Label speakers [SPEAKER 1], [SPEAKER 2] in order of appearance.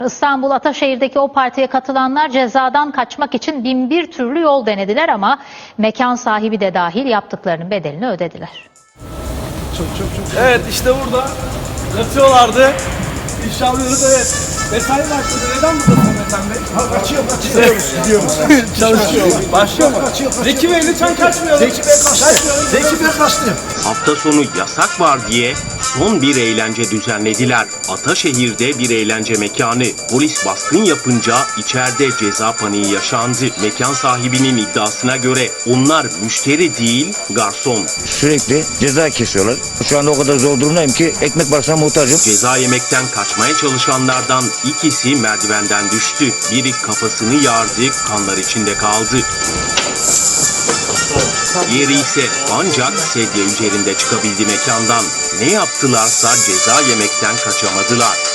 [SPEAKER 1] İstanbul Ataşehir'deki o partiye katılanlar cezadan kaçmak için bin bir türlü yol denediler ama mekan sahibi de dahil yaptıklarının bedelini ödediler.
[SPEAKER 2] Çok.
[SPEAKER 3] Evet, işte burada yatıyorlardı. İnşallah evet. Mesai başladı. Neden buradasın Metan Bey?
[SPEAKER 2] Kaçıyoruz, gidiyoruz.
[SPEAKER 3] Çalışıyor. Başlıyor mu? Zeki Bey lütfen kaçmayalım.
[SPEAKER 2] Zeki Bey kaçtı.
[SPEAKER 4] Hafta sonu yasak var diye son bir eğlence düzenlediler. Ataşehir'de bir eğlence mekanı. Polis baskın yapınca içeride ceza paniği yaşandı. Mekan sahibinin iddiasına göre onlar müşteri değil, garson.
[SPEAKER 5] Sürekli ceza kesiyorlar. Şu anda o kadar zor durumdayım ki ekmek parasına muhtacım.
[SPEAKER 4] Ceza yemekten kaçmaya çalışanlardan ikisi merdivenden düştü. Biri kafasını yardı, kanlar içinde kaldı. Diğeri ise ancak sedye üzerinde çıkabildi mekandan. Ne yaptılarsa ceza yemekten kaçamadılar.